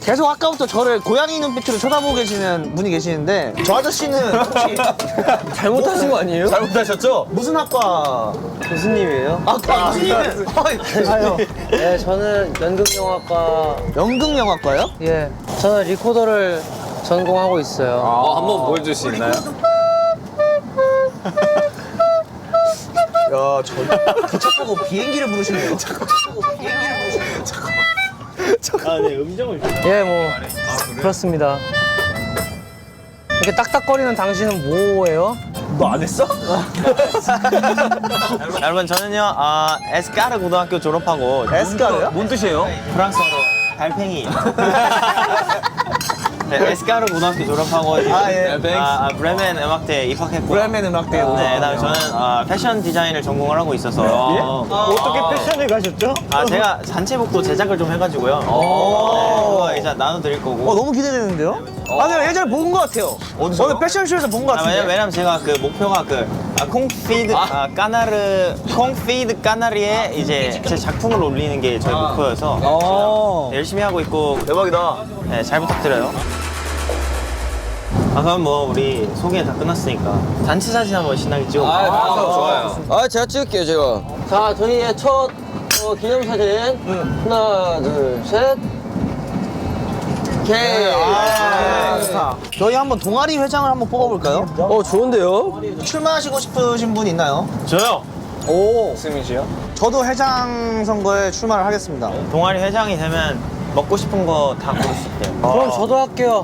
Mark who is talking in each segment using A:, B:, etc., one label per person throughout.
A: 계속 아까부터 저를 고양이 눈빛으로 쳐다보고 계시는 분이 계시는데 저 아저씨는 혹시
B: 잘못하신 거 아니에요?
C: 잘못하셨죠?
A: 무슨 학과
B: 교수님이에요?
A: 교수님은
B: 아요. 네, 저는 연극영화과.
A: 연극영화과요?
B: 예. 저는 리코더를 전공하고 있어요.
C: 한번 보여줄 수 있나요?
A: 야, 기차 타고 비행기를 부르시네요. 비행기를 부르시네요.
B: 예, 뭐 그렇습니다. 이렇게 딱딱거리는 당신은 뭐예요?
A: 너 안 했어?
D: 여러분 저는요 에스카르 고등학교 졸업하고
A: 에스카르요?
C: 뭔 뜻이에요?
D: 프랑스어로 달팽이. 네, 에스카르 고등학교 졸업하고 이제
A: 예.
D: 브레멘 음악대에 입학했고.
A: 브레멘 음악대에
D: 네, 그다음에 저는 패션 디자인을 전공을 하고 있어서.
B: 어떻게 패션을 가셨죠?
D: 제가 단체복도 제작을 좀 해가지고요. 네, 그거 이제 나눠드릴 거고.
A: 너무 기대되는데요? 내가 예전에 본 것 같아요.
D: 어디서요?
A: 어느 패션쇼에서 본 것 같은데.
D: 왜냐면 제가 그 목표가 콩피드 까나리에 이제 제 작품을 올리는 게 저희 목표여서 네, 열심히 하고 있고.
C: 대박이다.
D: 네, 잘 부탁드려요. 그럼 뭐 우리 소개 다 끝났으니까 단체 사진 한번 신나게 찍어볼까요?
C: 좋아요. 제가 찍을게요, 제가.
B: 자, 저희의 첫 기념사진. 하나, 둘, 셋.
A: 오케이. 저희 한번 동아리 회장을 한번 뽑아볼까요?
C: 좋은데요?
A: 출마하시고 싶으신 분 있나요?
D: 저요!
C: 승민씨요?
A: 저도 회장 선거에 출마를 하겠습니다.
D: 동아리 회장이 되면 먹고 싶은 거 다 고를 수 있대요.
B: 그럼 저도 할게요.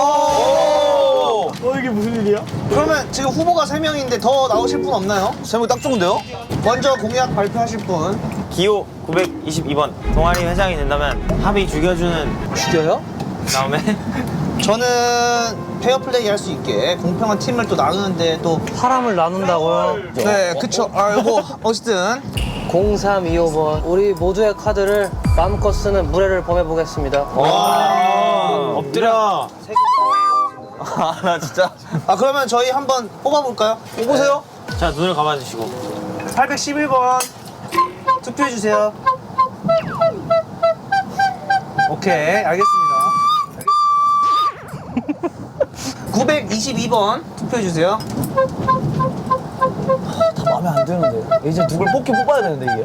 A: 이게 무슨 일이야? 그러면 지금 후보가 3명인데 더 나오실 분 없나요?
C: 3명 딱 좋은데요?
A: 먼저 공약 발표하실 분.
D: 기호 922번 동아리 회장이 된다면 합의 죽여주는
B: 죽여요?
D: 다음에
A: 저는 페어플레이 할 수 있게 공평한 팀을 또 나누는데 또
B: 사람을 나눈다고요?
A: 네, 그쵸. 이거 어쨌든
B: 0325번. 우리 모두의 카드를 마음껏 쓰는 무례를 범해보겠습니다.
D: 엎드려.
C: 나 진짜.
A: 그러면 저희 한번 뽑아볼까요? 뽑으세요.
D: 자 눈을 감아주시고
A: 811번 투표해주세요. 오케이, 알겠습니다. 922번 투표해주세요.
B: 다 마음에 안 드는데. 이제 누굴 뽑긴 뽑아야 되는데, 이게.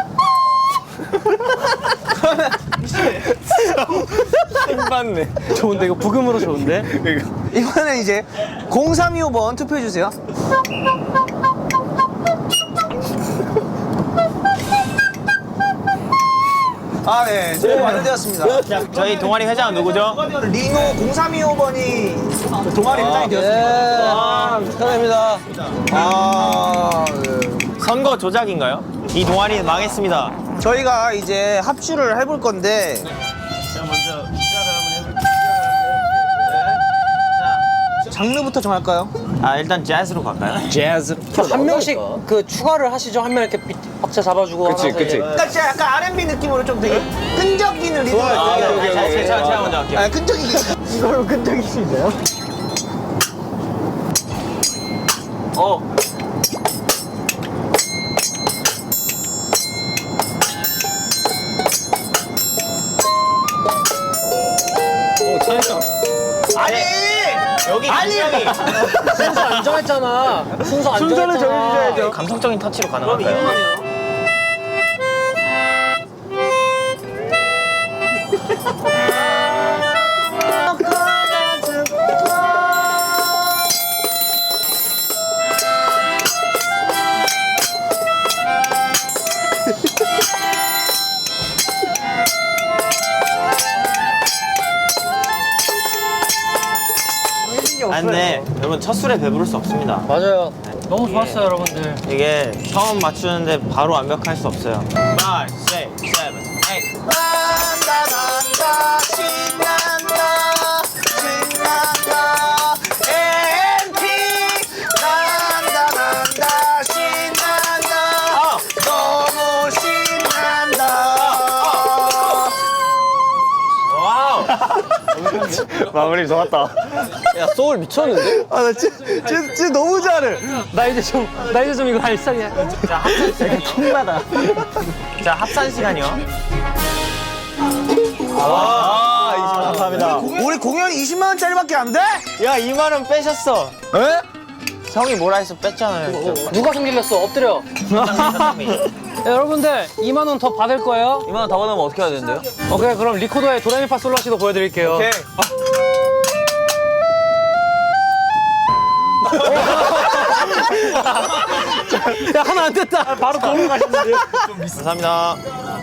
C: 힘받네.
B: 좋은데, 이거 부금으로 좋은데?
A: 이번엔 이제 0325번 투표해주세요. 네, 투표 완료되었습니다.
D: 저희 동아리 회장은 누구죠?
A: 리노 0325번이 동아리 회장이 되었습니다.
B: 축하드립니다.
D: 선거 조작인가요? 이 동아리는 망했습니다.
A: 저희가 이제 합주를 해볼 건데
D: 제가 먼저 시작을 한번 해볼게요.
A: 장르부터 정할까요?
D: 일단 재즈로 갈까요?
C: 재즈.
B: 한 명씩 그 추가를 하시죠. 한 명 이렇게 박자 잡아주고.
C: 그치,
B: 하면서
C: 그치.
B: 이제.
A: 그러니까 진짜 약간 R&B 느낌으로 좀 되게 끈적이는 리듬을
D: 제가 먼저 할게요.
A: 끈적이기
B: 이걸로 끈적이시네요.
A: 아니!
D: 여기 굉장히
B: 순서 안 정했잖아. 순서 안
A: 순서를
B: 정했잖아.
A: 정해주셔야죠.
D: 감성적인 터치로 가능할까요? 근데 여러분 첫 술에 배부를 수 없습니다.
B: 맞아요. 너무 좋았어요, 여러분들.
D: 이게 처음 맞추는데 바로 완벽할 수 없어요. 5, 6, 7, 8.
A: 난다 신난다 신난다 MT 난다 신난다 너무 신난다
D: 와우! 마무리 좋았다.
B: 야, 소울 미쳤는데?
A: 나 진짜 너무 잘해.
B: 나 이제 좀 이거 알싸게.
D: 자, 합산 시간. 킹받아. 자, 합산 시간이요.
A: 와, 우리 공연이 20만 원짜리밖에 안 돼?
D: 야 2만 원 빼셨어.
A: 에?
D: 형이 뭐라 해서 뺐잖아요.
B: 누가 승질냈어? 엎드려. 야, 여러분들 2만 원 더 받을 거예요.
C: 2만 원 더 받으면 어떻게 해야 되는데요?
B: 오케이, 그럼 리코더의 도레미파 솔라시도 보여드릴게요.
C: 오케이.
B: 야, 하나 안 됐다. 바로 도로 가셨는데.
D: 감사합니다.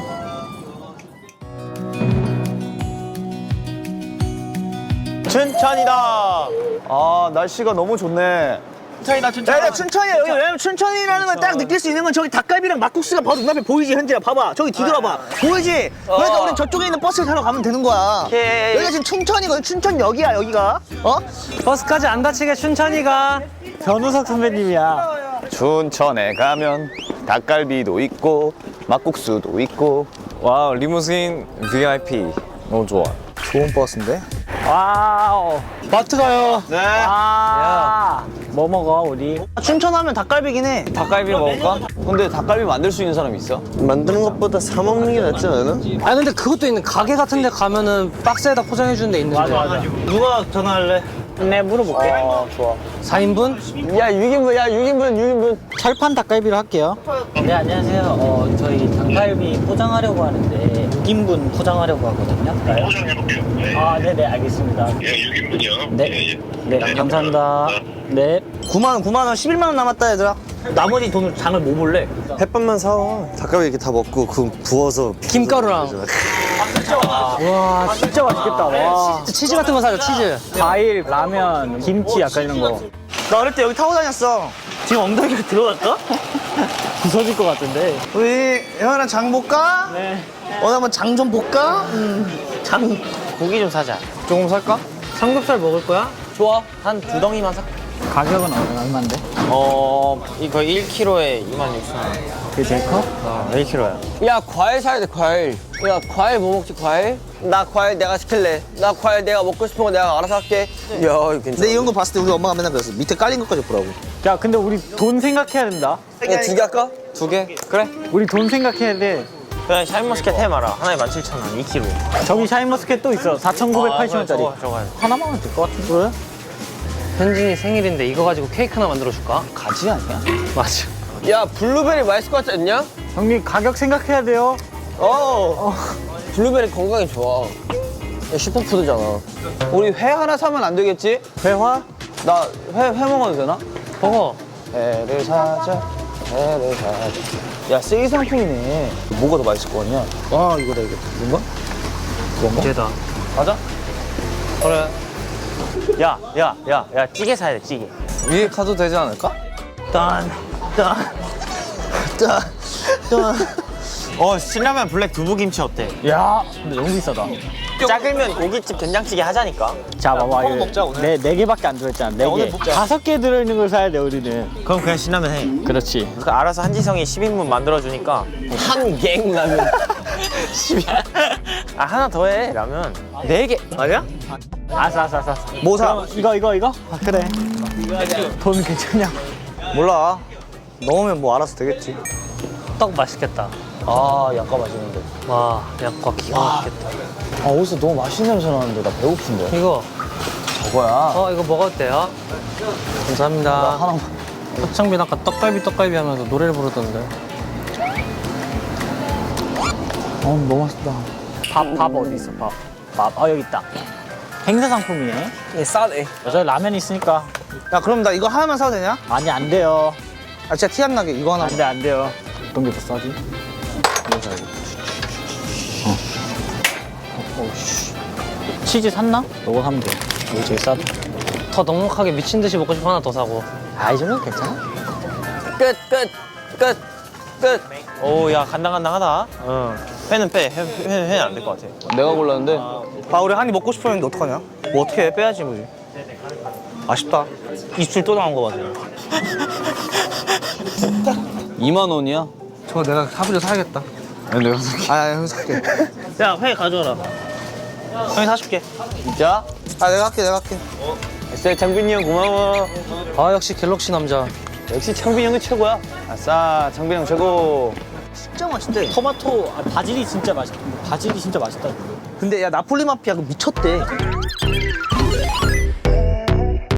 D: 춘천이다.
C: 아, 날씨가 너무 좋네.
D: 춘천이다 춘천.
A: 야, 춘천이야. 여기 왜냐면 춘천이라는 걸 딱 느낄 수 있는 건 저기 닭갈비랑 막국수가 바로 눈앞에 보이지, 현지야. 봐봐. 저기 뒤돌아봐. 보이지? 그러니까 우린 저쪽에 있는 버스를 타러 가면 되는 거야.
D: 오케이.
A: 여기가 지금 춘천이거든. 춘천역이야, 여기가. 어?
B: 버스까지 안 다치게 춘천이가.
D: 변우석 선배님이야.
C: 춘천에 가면 닭갈비도 있고 막국수도 있고. 와, 리무진 VIP 너무 좋아.
A: 좋은 버스인데?
D: 와우.
B: 마트 가요.
C: 네.
D: 아. 뭐 먹어 우리?
A: 춘천 하면 닭갈비긴 해.
C: 닭갈비 먹을까? 근데 닭갈비 만들 수 있는 사람 있어?
A: 만드는 것보다 사 먹는 게 낫지 않아?
B: 아, 근데 그것도 있는 가게 같은 데 가면은 박스에다 포장해주는 데 있는데. 맞아.
A: 누가 전화할래?
D: 네 물어볼게.
A: 좋아.
B: 4인분?
C: 야, 6인분.
D: 철판 닭갈비로 할게요.
E: 네, 안녕하세요. 저희 닭갈비 포장하려고 하는데 6인분 포장하려고 하거든요.
F: 포장해볼게요. 네.
E: 아, 네네, 알겠습니다.
F: 예, 6인분이요.
E: 네.
F: 예, 예.
E: 네, 감사합니다. 네.
A: 9만 원, 11만 원 남았다, 얘들아.
E: 나머지 돈을 장을 뭐 볼래?
G: 햇반만 사와. 닭갈비 이렇게 다 먹고 그 부어서
B: 김가루랑.
E: 와, 진짜 맛있겠다. 와.
B: 치즈 같은 거 사줘, 치즈.
E: 과일, 라면, 김치 약간 이런 거.
A: 나 어릴 때 여기 타고 다녔어. 지금 엉덩이가 들어갈까?
E: 부서질 것 같은데.
A: 우리 형이랑 장 볼까?
E: 네.
A: 오늘 한번 장 좀 볼까? 장.
D: 고기 좀 사자.
C: 조금 살까?
B: 삼겹살 먹을 거야?
D: 좋아. 한 2덩이만 사.
E: 가격은 얼마인데?
D: 이거 1kg에 26,000원.
E: 그게 제일 커?
D: 1kg야.
C: 야, 과일 사야 돼, 과일. 야, 과일 뭐 먹지, 과일? 나 과일 내가 시킬래. 나 과일 내가 먹고 싶은 거 내가 알아서 할게. 야, 이거 괜찮아.
A: 근데 이런 거 봤을 때 우리 엄마가 맨날 그랬어. 밑에 깔린 것까지 보라고.
E: 야, 근데 우리 돈 생각해야 된다.
C: 야, 2개 할까? 2개? 그래.
E: 우리 돈 생각해야 돼.
D: 그냥 샤인머스켓 해 마라. 하나에 17,000원. 2kg.
E: 저기 샤인머스켓 또 있어. 4,980원짜리.
D: 저거.
E: 하나만 하면 될 것 같은데. 그래?
B: 현진이 생일인데 이거 가지고 케이크 하나 만들어줄까?
E: 가지 아니야?
B: 맞아.
C: 야, 블루베리 맛있을 것 같지 않냐?
E: 형님, 가격 생각해야 돼요.
C: 블루베리 건강에 좋아. 야, 슈퍼푸드잖아. 우리 회 하나 사면 안 되겠지?
E: 회화?
C: 나 회 먹어도 되나?
B: 먹어.
C: 회를 사자. 야, 세일 상품이네. 뭐가 더 맛있을 거 같냐?
A: 와, 이거다, 이거. 뭔가?
B: 이제다.
C: 가자.
B: 그래.
D: 야, 찌개 사야 돼, 찌개.
C: 위에 가도 되지 않을까?
D: 신라면 블랙 두부김치 어때?
E: 야, 근데 너무 비싸다.
D: 작으면 고깃집 된장찌개 하자니까.
E: 자, 봐봐. 이거
C: 먹자, 오늘.
E: 네 개밖에 안 들어있잖아. 네
C: 오늘
E: 개.
C: 먹자.
E: 5개 들어있는 걸 사야 돼, 우리는.
D: 그럼 그냥 신라면 해.
E: 그렇지.
D: 그 알아서 한지성이 10인분 만들어주니까.
C: 한갱 라면.
D: 아, 하나 더 해, 라면. 4개.
C: 아니야?
E: 알았어.
A: 뭐 사?
E: 그럼 이거? 아, 그래. 돈 괜찮냐?
A: 몰라. 넣으면 뭐 알아서 되겠지.
B: 떡 맛있겠다.
C: 아, 약과 맛있는데.
B: 와, 약과 기가 막히겠다.
C: 아, 어디서 너무 맛있는 냄새 나는데 나 배고픈데.
B: 이거.
C: 저거야.
B: 이거 먹어도 돼요? 감사합니다.
C: 하나만.
B: 박창빈 아까 떡갈비 하면서 노래를 부르던데.
C: 너무 맛있다.
E: 밥 어디 있어, 밥? 여기 있다. 행사 상품이네.
C: 싸네.
E: 여자 라면 있으니까.
A: 야, 그럼 나 이거 하나만 사도 되냐?
E: 아니, 안 돼요.
A: 아, 진짜 티 안 나게 이거 하나.
E: 안 돼요. 어떤 게 더 싸지? 이거 사야지. 치즈 샀나? 이거 사면 돼. 이게 제일 싸다.
B: 더 넉넉하게 미친 듯이 먹고 싶어 하나 더 사고.
E: 아, 이 정도면 괜찮아?
C: 끝.
D: 오, 야, 간당간당하다. 회는 빼. 회는 안 될 것 같아.
C: 내가 골랐는데.
A: 아, 우리 한입 먹고 싶었는데 어떡하냐? 뭐 어떻게 해? 빼야지, 뭐지. 아쉽다. 입술 또 나온 거 봐, 지금.
C: 2만 원이야?
A: 저거 내가 사부려 사야겠다.
C: 내가 살게.
A: 아, 형 살게.
E: 야, 회 가져와라. 형이 사줄게.
C: 진짜?
A: 아, 내가 할게.
C: SL 장빈이 형 고마워.
B: 아, 역시 갤럭시 남자.
C: 역시 장빈이 형이 최고야. 아싸, 장빈이 형 최고.
A: 진짜 맛있대.
E: 토마토, 바질이 진짜 맛있다.
A: 근데 야 나폴리 마피아 그 미쳤대.